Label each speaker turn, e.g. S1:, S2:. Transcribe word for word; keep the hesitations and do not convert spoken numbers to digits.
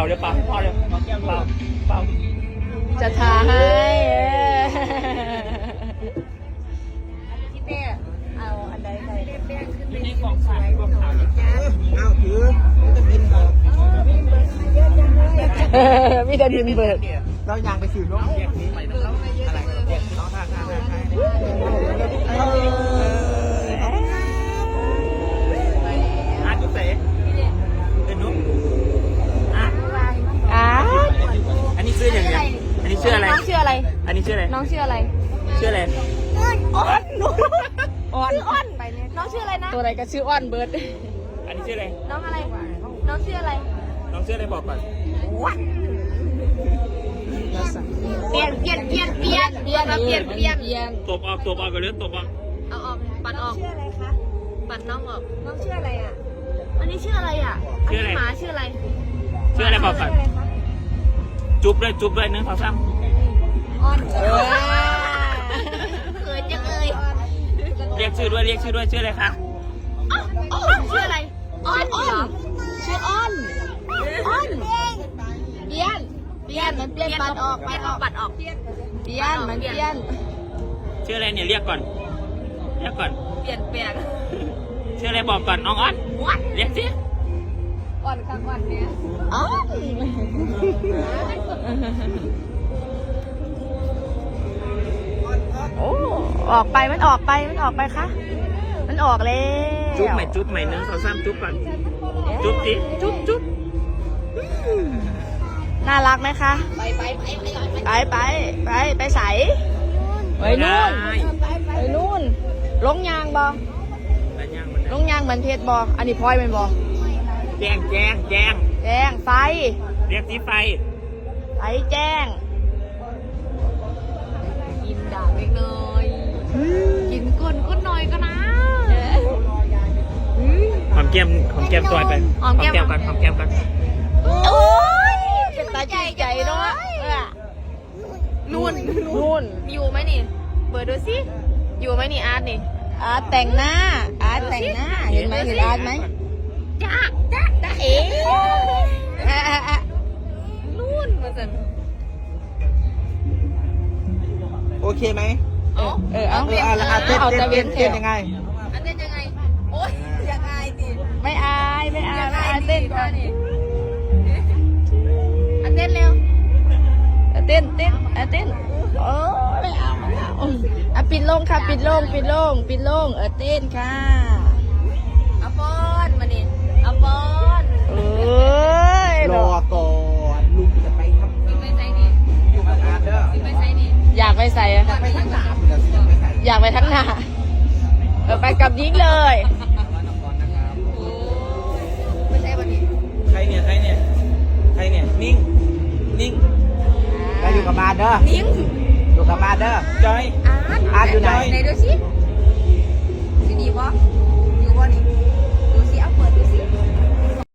S1: เดี๋ยวเป่าให้พ่อเลยเป่าเป่า
S2: จะทาให้
S3: พี่เป้เอาอันใดใดแป้งขึ้นไป
S1: นี่กองขายกองขาย
S4: อ้าวถือจะบินเบิก
S2: มีแต่ดินเบิก
S4: เรายางไปสื่อน้องเรียกนี้ไปน้องอะไรเรียกน้องท่าท่าท่าท่าอาจุ๊บเสเป็นนุ๊กอ่ะ
S2: อ่ะ
S1: อันนี้ชื่ออย่างไรอันนี้ชื่ออะไร
S2: น้องชื่ออะไร
S1: อันนี้ชื่ออะไร
S2: น้องชื่ออะไร
S1: ชื่ออะไร
S2: อ้อนอ้อนอ้อนไปเนี่ยน้องชื่ออะไรนะตัวอะไรก็ชื่ออ้อนเบิร์ด
S1: อันนี้ชื่ออะไร
S2: น้องอะไร น้องชื่ออะไร
S1: น้องชื่ออะไรบอกก่อน
S2: เปลี่ยนเปลี่ยนเปลี่ยนเปลี่ยนเปลี่ยนเปลี่ยนเปลี่ยนเปลี่ยน
S1: ตบออกตบออกไปเรื่อยตบออก
S2: เอาออกปัดออก
S3: ชื่ออะไรคะ
S2: ปัดน้องออก
S3: น้องชื่ออะไรอ่ะ
S2: อันนี้ชื่ออะไรอ่ะอันนี้หมาชื่ออะไร
S1: ชื่ออะไรบอกก่อน
S3: ชื่ออะไรคะ
S1: จุ๊บด้วยจุ๊บด้วยหนึ่งสองสาม
S3: อ้อน
S2: เออเขินจังเลย
S1: เรียกชื่อด้วยเรียกชื่อด้วยชื่ออะไรคะ
S2: ชื่ออะไรอ้อนอ้อนชื่ออ้อนอ้อนเปลี่ยนเปลี่ยนมันเปลี่ยนปัดออกปัดออกปัดออกเปลี่ยนเปลี่ยนมันเปลี่ยน
S1: ชื่ออะไรเนี่ยเรียกก่อนเรียกก่อน
S2: เปลี่ยนเปลี่ยน
S1: ชื่ออะไรบอกก่อนน้องอ้อนเรียกสิ
S2: อ่อนข้างอ่อนเนี้ยอ้อนโอ้ออกไปมันออกไปมันออกไปคะมันออกแล้ว
S1: จุ๊บใหม่จุ๊บใหม่หนึ่งสองสามจุ๊บก่อนจุ๊บสิจุ๊บจุ๊บ
S2: น่ารักไหมคะไปไปไปไปไปไปใส่ไปนู่นไปนู่นลงยางบอลงยางเหมือนเพชรบออันนี้พลอยเป็นบอ
S1: แจ้งแจ้งแจ้ง
S2: แจ้งไฟ
S1: เรียกที่ไฟ
S2: ไฟแจ้งกินด่างเล็กน้อยกินก้นก้นน้อยก็นะ
S1: หอมแก้มหอมแก้มตัวไปหอมแก้มก่อนหอมแก้มก่อน
S2: โอ้ยเป็นตาใจใจเนาะนู่นนู่นอยู่ไหมนี่เปิดดูสิอยู่ไหมนี่อาร์ตนี่อาร์ตแต่งหน้าอาร์ตแต่งหน้าเห็นไหมเห็นอาร์ตไหมจ้าจ้าจ้าเอ๋นู่นมาสิ
S4: โอเคไหม
S2: เออเออเอา
S4: เออเอาละเต้นเต้นเต้นเต้นยังไง
S2: อันเต้นยังไงโอ๊ยอยากอายดิไม่อายไม่อายไม่อายเต้นก่อนอันเต้นเร็วเต้นเต้นอันเต้นโอ้ไม่เอาไม่เอาอ่ะปิดลงค่ะปิดลงปิดลงปิดลงเออเต้นค่ะเอาปอนมาดิเอาปอนเอ้ย
S4: รอก่อนลุงจะไปทำ
S2: ไปใส่นี่
S4: อยู่กับอาร์ตเด้อ
S2: ไปใส่นี่อยากไปใส่อะ
S4: ไปทั้งสามเดี๋ยวจะไปใส่
S2: อยากไปทั้งหน้าเออไปกับยิงเลยไม่ใช่วันนี้
S4: ใครเนี่ยใครเนี่ยใครเนี่ยนิ่งนิ่งไปอยู่กับอาร์ตเด้อ
S2: นิ้ง
S4: อยู่กับอาร์ตเด้อจอย
S2: อาร์ต
S4: อาร์ตอยู่ไหน
S2: ไหนดูสิที่นี่ปะอยู่